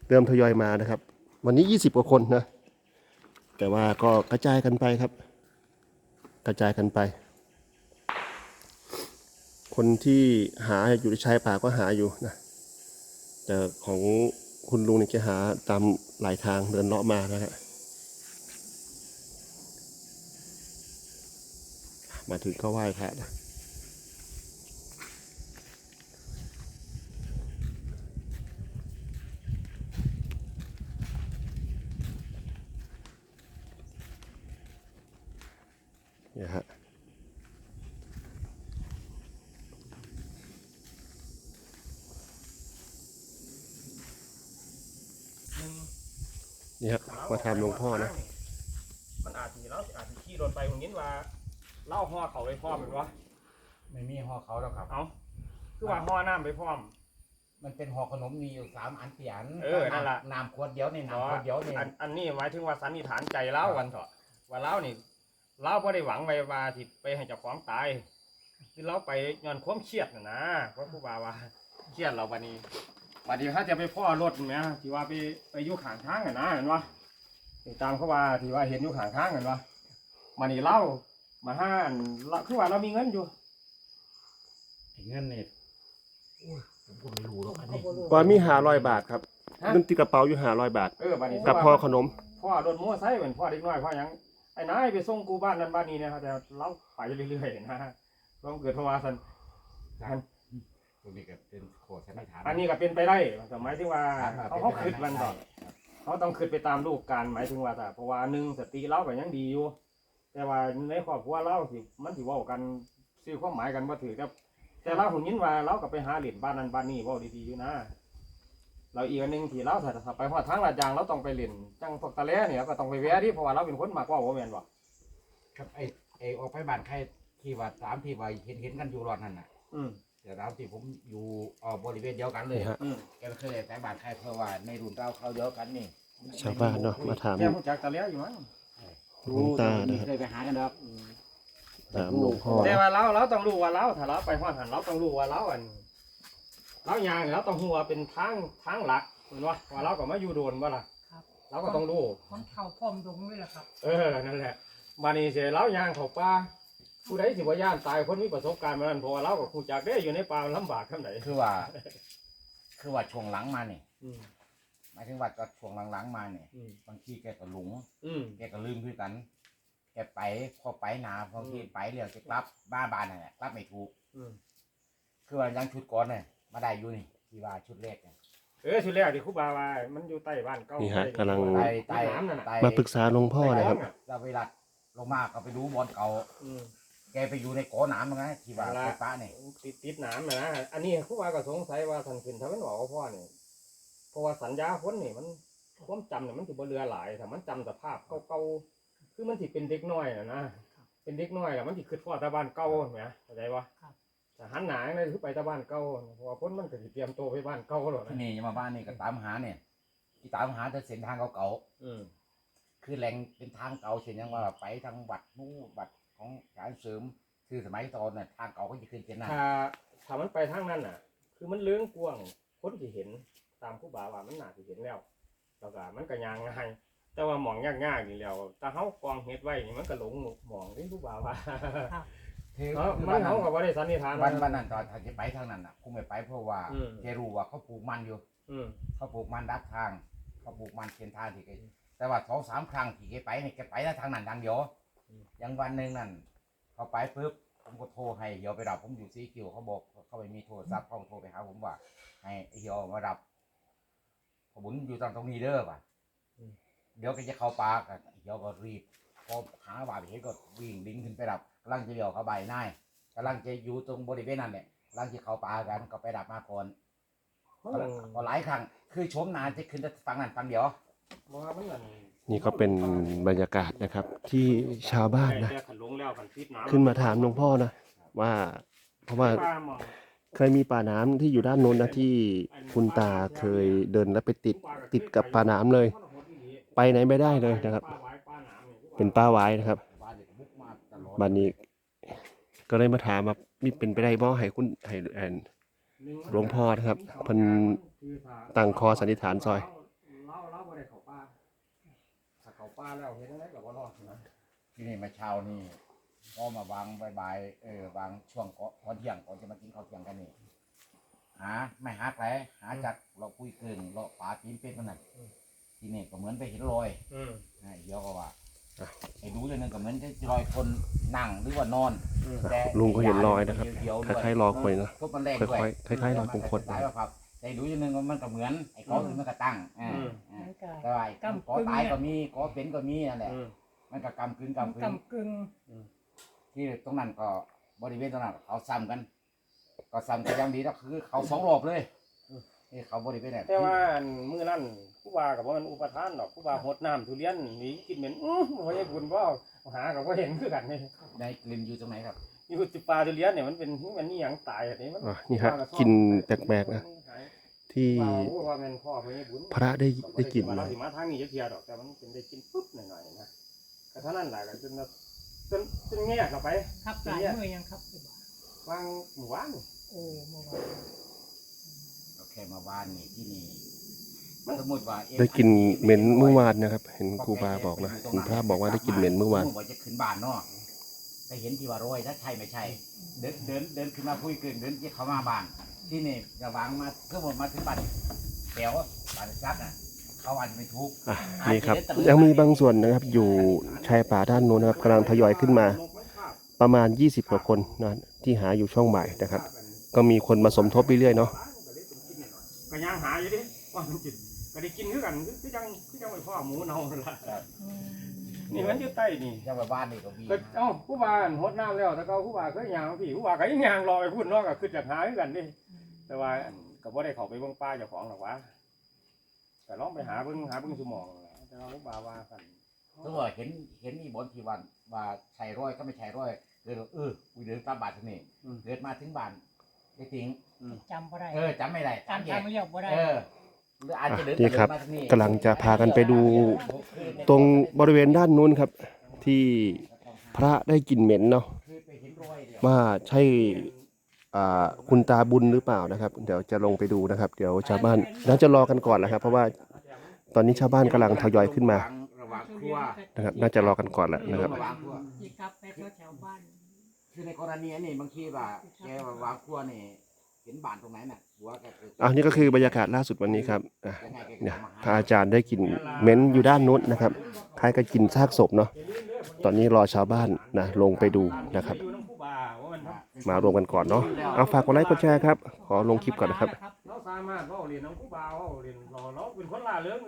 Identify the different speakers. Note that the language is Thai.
Speaker 1: เริ่มทยอยมานะครับวันนี้20 กว่าคนนะแต่ว่าก็กระจายกันไปครับกระจายกันไปคนที่หาอยู่ในชายป่าก็หาอยู่นะแต่ของคุณลุงเนี่ยจะหาตามหลายทางเดินเลาะมานะฮะมาถึงก็ไหว้พระนะเนี่ยฮะนี่ฮะมาทำหลวงพ่อนะ
Speaker 2: มันอาจจะแล้วอาจจะขี่รถไปผมยินว่าเล่าห่อเขาไปพร้อมเป็นวะ
Speaker 3: ไม่มีห่อเขาแล้วครับ
Speaker 2: เอาคือว่าห่อน้ำไปพร้อม
Speaker 3: มันเป็นห่อขนมมีอยู่3 อัน4 อัน
Speaker 2: นั่นแหละ
Speaker 3: น้ำขวดเดียวนี่น้ำขวดเดียวนี่
Speaker 2: อันนี้หมายถึงว่าสันนิษฐานใจเล่าวันเถอะว่าเล่านี่เล่าไ่ได้หวังไว้ว่าที่ไปให้เจ้าของตายคือเล่าไปย้อนความเครียดนะเพราะผู้บ่าวว่าเครียดเราวันนี้ถ้าจะไปพ่อรถไหมที่ว่าไปยุ่ข้างทางนะเห็นปะตามเขาว่าที่ว่าเห็นยุ่ข้างทางเห็นปะมานี่เล่ามาห้านคือว่าเรามีเงินอยู่
Speaker 3: เงินเนี่ยผมก็ไม่รู้หรอกอันนี้
Speaker 1: ว่ามี500 บาทครับเงินติดกระเป๋าอยู่500 บาทกับพ่อขนม
Speaker 2: พ่อโดนมั่วไซเหมือนพ่อเด็กน้อยพ่อยังไอ้นายไปส่งกูบ้านนั้นบ้านนี้นะครับแต่เราไปเรื่อยๆนะเราเกิดภาวะสัน
Speaker 3: ตรงนี้ก็เป็นโคตรใช่ไหมฐาน
Speaker 2: อันนี้ก็เป็นไปได้หมายถึงว่าเขาคิดมันต่อเขาต้องคิดไปตามลูกการหมายถึงว่าแต่เพราะว่าหนึ่งสติเราก็ยังดีอยู่แต่ว่าในครอบครัวเราสิมันสิว่ากันซื้อความหมายกันว่าถือแต่เราหุ่นยินว่าเราก็ไปหาเหรียญบ้านนั้นบ้านนี้ว่าดีๆอยู่นะเราอีกอันหนึ่งที่เราถ้าไปหัวทางลาดยางเราต้องไปเหรียญจังพวกตะเล่เนี่ยก็ต้องไปแวะที่เพราะว่าเราเป็นคนมากกว่าโมเมนต์บ่
Speaker 3: ครับไอออกไปบ้านใครที่ว่า3 ที่ว่าเห็นกันอยู่รอดนั่นน่ะแต่เราที่ผมอยู่บริเวณเดียวกันเลยแกไม่เคยแต่บ้านใครเพราะว่าในรุ่นเราเขาเดียวกันนี่
Speaker 1: ชาวบ้านเนาะมาถาม
Speaker 2: แม่ผู้จักตะเล่อยู่มั้ง
Speaker 1: หลวงตานะครับ
Speaker 3: เคยไปหากันครับ
Speaker 1: ถามหลวงพ่อ
Speaker 2: แต่ว่าเราต้องรู้ว่าเราถ้าเราไปหัวหันเราต้องรู้ว่าเรายางเราต้องหัวเป็นทางหลักเห็นว่าเราก็มาอยู่โดนว่าล่ะเราก็ต้องรู้
Speaker 4: คนเข่าพร้อมดงด้วยแหละครับ
Speaker 2: นั่นแหละมานี่เสียเรายางเขาป่าผู้ใดสิว่าย่านตายคนมีประสบการณ์มานั้นเพราะว่าเราก็คงจากได้อยู่ในป่าลำบากขนาดไหน
Speaker 3: คือว่าช่วงหลังมาเนี่ยหมายถึงว่าก็ช่วงหลังๆมาเนี่ยบางทีแกก็หลงแกก็ลืมคือกันแกไปพอไปนาบางทีไปเรื่องจะกลับบ้านนั่นแหละกลับไม่ถูกคือว่ายังชุดก่อนเนี่ยมาได้อยู่นี่ที่ว่าชุดแรกเนี่ย
Speaker 2: ชุดแรกที่ครูบาว่ามันอยู่ใต้บ้านเก่า
Speaker 1: นี่ฮะกำลัง
Speaker 3: ใต้น้ำนั่น
Speaker 1: มาปรึกษาหลวงพ่อนะครับ
Speaker 3: เราเวลาลงมาก็ไปดูบอลเก่าแกไปอยู่ในกอหนามนะที่ว่าไฟฟ้าเนี่ย
Speaker 2: ติดหนามนะอันนี้ครูบาก็สงสัยว่าท่านขึ้นทำให้หนอพ่อเนี่ยเพราะว่าสัญญาคนนี่มันความจำเนี่ยมันถือว่าเรือหลายแต่มันจำสภาพเก่าๆคือมันถือเป็นเด็กน้อยนะเป็นเด็กน้อยแล้วมันถือขึ้นพ่อตาบ้านเก่าเนี่ยเข้าใจปะแต่หันหนาเนี่ยคือไปตาบ้านเก่าเพราะว่าพ้นมันก็จะเตรียมตัวไปบ้านเก่าหรอก
Speaker 3: ที่นี่มาบ้านนี่ก็ตามหาเนี่ยที่ตามหาจะเส้นทางเก่าคือแหล่งเป็นทางเก่าเช่นอย่างว่าไปทางวัดนู้วัดของการเสริมคือสมัยตอนน่ะทางเก่าก็จะขึ้นเช่นนั้น
Speaker 2: ถ้ามันไปทางนั้นน่ะคือมันเลื้องกว้างคนที่เห็นตามผู้บ่าวว่ามันน่าจะเห็นแล้วแล้วก็มันก็ยางง่ายแต่ว่าหมองยากๆนี่แล้วแต่เขากองเฮ็ดไว้นี่มันก็หลงหมองที่ผู้บ่าวว่ามันเขากับว่าได้สันนิษฐาน
Speaker 3: วันนั้นตอนที่ไปทางนั้นน่ะคงไม่ไปเพราะว่าแกรู้ว่าเขาปลูกมันอยู่เขาปลูกมันดักทางเขาปลูกมันเส้นทางที่แกแต่ว่า2-3 ครั้งที่แกไปเนี่ยแกไปทางนั้นทางเดียวอย่างวันหนึ่งนั่นเขาไปปุ๊บผมก็โทรให้เหี่ยวไปรับผมอยู่ซีคิวเขาบอกเขาไม่มีโทรศัพท์เขาโทรไปหาผมว่าให้เหี่ยวมารับผมอยู่ตรงนี้เด้อป่ะเดี๋ยวก็จะเข้าป่ากันเหี่ยวก็รีบพอหาบ่าไปเห็นก็วิ่งดิ้งขึ้นไปรับกำลังจะเลี้ยวเข้าใบนายกำลังจะอยู่ตรงบริเวณนั้นเนี่ยกำลังจะเข้าป่ากันก็ไปรับมาก่อนก็หลายครั้งคือชมนานจะขึ้นแต่ฟังนั้นฟังเดียว
Speaker 1: นี่ก็เป็นบรรยากาศนะครับที่ชาวบ้านนะขึ้นมาถามหลวงพ่อนะว่าเพราะว่าเคยมีป่าน้ำที่อยู่ด้านโน้นนะที่คุณตาเคยเดินแล้วไปติดกับป่าน้ำเลยไปไหนไม่ได้เลยนะครับเป็นป่าไว้นะครับบ้านนี้ก็เลยมาถามว่ามีเป็นไปได้บ่ให้คุณให้หลวงพ่อนะครับเพิ่นตั้งคอสันนิษฐานซอย
Speaker 2: แล้วเห็นอะไรกับว่ารอดนะ
Speaker 3: ที่นี่มาเช้านี่ก็มาวางบายๆวางช่วงก่อนเที่ยงก่อนจะมากินข้าวเที่ยงกันนี่หาไม่หาใครหาจากเราคุยเกินเราป่าตีนเป็ดมันนั่นที่นี่ก็เหมือนไปเห็นรอยเดี๋ยวก็ว่าไอ้ดูอย่างนึงก็เหมือนจะรอยคนนั่งหรือว่านอนแต่
Speaker 1: ลุงก็เห็นรอยนะครับ
Speaker 3: เดียวๆ
Speaker 1: ค
Speaker 3: ด้วย
Speaker 1: ล้ายๆรอยคนนะ
Speaker 3: พวกมันแรง
Speaker 1: ค่
Speaker 3: ด้วย
Speaker 1: อยๆคล้ายๆรอยคงคด
Speaker 3: สายว่าครับแต่ดูอย่างนึงมันก็เหมือนไอ้ก้อนมันก็ตั้งแต่ว่าก้อตายก็มีก้อเป็นก็มีนั่นแหละมันก็กำกึ่ง
Speaker 4: กำกึ่ง
Speaker 3: ที่ตรงนั้นก็บริเวณตรงนั้นเขาซ้ำกันก็ซ้ำกันอย่างดีก็คือเขาสองรอบเลยนี่เขาบริเวณไหน
Speaker 2: แต่ว่ามื้อนั้นผู้ว่ากับว่ามันอุปทานดอกผู้ว่าหดน้ำทุเรียนหนีกินเหม็นบ่ให้บุญบ่หากับว่าเห็นคือกันนี่
Speaker 3: ในกลิ่นอยู่ตรงไหนครับ
Speaker 2: อยู่ที่ปลาทุเรียนเนี่ยมันเป็นมันนี่หยังตายอันนี้มัน
Speaker 1: นี่ฮะกลินแปลกๆนะที่
Speaker 2: ว่ามันพ่อเพิ่นให้บุญ
Speaker 1: พระได้กลิ่น
Speaker 2: มา
Speaker 1: มา
Speaker 2: สิมาทางนี้จะเทียดอกแต่มันเป็นได้กินปุ๊บหน่อยๆนะก็เท่านั้นแหละก็จนแง่เข้าไป
Speaker 4: ครับหลายมือยังครับครูบาว
Speaker 2: างหมู่บ้าน
Speaker 4: โอ้เมื่อวาน
Speaker 3: โอเคมาบ้านนี่ที่นี่สมมติว่า
Speaker 1: ได้กลิ่นเหม็นเมื่อวานนะครับ เห็นครูบาบอกนะเห็นพระบอกว่าได้กลิ่นเหม็นเมื่อวาน
Speaker 3: ว่าจะขึ้นบ้านเนาะแต่เห็นที่ว่าโรยถ้าใช่ไม่ใช่ เดินขึ้นมาคุยกันเดินที่เขามาบ้าน ที่นี่ระวังมาก็หมดมาถึงบ้านแถวบ้านซักน่ะเขาอาจจะไม่ทุก
Speaker 1: นี่ครับยังมีบางส่วนนะครับ อยู่ชายป่าด้านโน้นนะครับกำลังทยอยขึ้นมา ประมาณ20กว่าคนนะที่หาอยู่ช่องบ่ายนะครับ ก็มีคนมาสมทบเรื่อยๆเนาะ
Speaker 2: ก็ยังหาอยู่ดิว่ามันจิตก็ได้กินคือกันคือจังไว้พ่อหมูเน่านั่นล่ะนี่มันอยู่ใต้นี่
Speaker 3: ยังมาบ้านนี่ก็มี
Speaker 2: ก็เอ้าผู้ว่าหดน้ำแล้วแต่ก็ผู้ว่าเคยย่างพี่ผู้ว่าก็ยังย่างรอไปพูดเนาะก็คือจะหาคือกันดิแต่ว่าก็บ่ได้เข้าไปเบิ่งป่าเจ้าของหรอกวะก็ลองไปหาเบิ่งสมองนั่นแหละแต่ว่าผู้ว่าว่ากัน
Speaker 3: ถ้าว่าเห็นมีบนที่วันว่าใช่ร้อยก็ไม่ใช่ร้อยเกูเดินตามบ้านที่นี่เกิดมาถึงบ้านได้ทิ้ง
Speaker 4: จำบ่ได้
Speaker 3: จำไม่ได้
Speaker 4: การทำเรียกบ่ได้
Speaker 3: หรืออาจจะเดิน
Speaker 1: นี่ครับ
Speaker 3: มาทางนี้
Speaker 1: กำลังจะพากันไปดูตรงบริเวณด้านนู้นครับ ที่พระได้กลิ่นเหม็นเนาะ
Speaker 3: คือไปเห็นรอยเดียว
Speaker 1: ว่าใช่คุณตาบุญหรือเปล่านะครับ เดี๋ยวจะลงไปดูนะครับ เดี๋ยวชาวบ้านน่าจะรอกันก่อนนะครับ เพราะว่าตอนนี้ชาวบ้านกำลังทยอยขึ้นมา
Speaker 3: ระหว่างครัว
Speaker 1: นะครับ น่าจะรอกันก่อนแหละนะครับ
Speaker 3: ระหว่างครัว
Speaker 4: ที่กลับไปแถวบ้าน
Speaker 3: คือในกรณีนี้บางทีว่าแกว่าวางครัวนี่เห็นบ้านตรงไหนน่ะหัวแกเกิด
Speaker 1: นี่ก็คือบรรยากาศล่าสุดวันนี้ครับ
Speaker 3: ยังไงแกก็
Speaker 1: เนี่ย
Speaker 3: มา
Speaker 1: พระอาจารย์ได้กลิ่นเหม็นอยู่ด้านนู้นนะครับคล้ายกับกลิ่นซากศพเนาะตอนนี้รอชาวบ้านนะลงไปดูนะครับ
Speaker 2: อยู่น้ำผู้ว่าว่ามัน
Speaker 1: มารวมกันก่อนเนาะเอาฝากกดไลค์กดแชร์ครับขอลงคลิปก่อนนะครับ
Speaker 2: เราสามารถเว้าเรียนน้ำผู้ว่าเว้าเรียนเราเป็นคนล่าเริง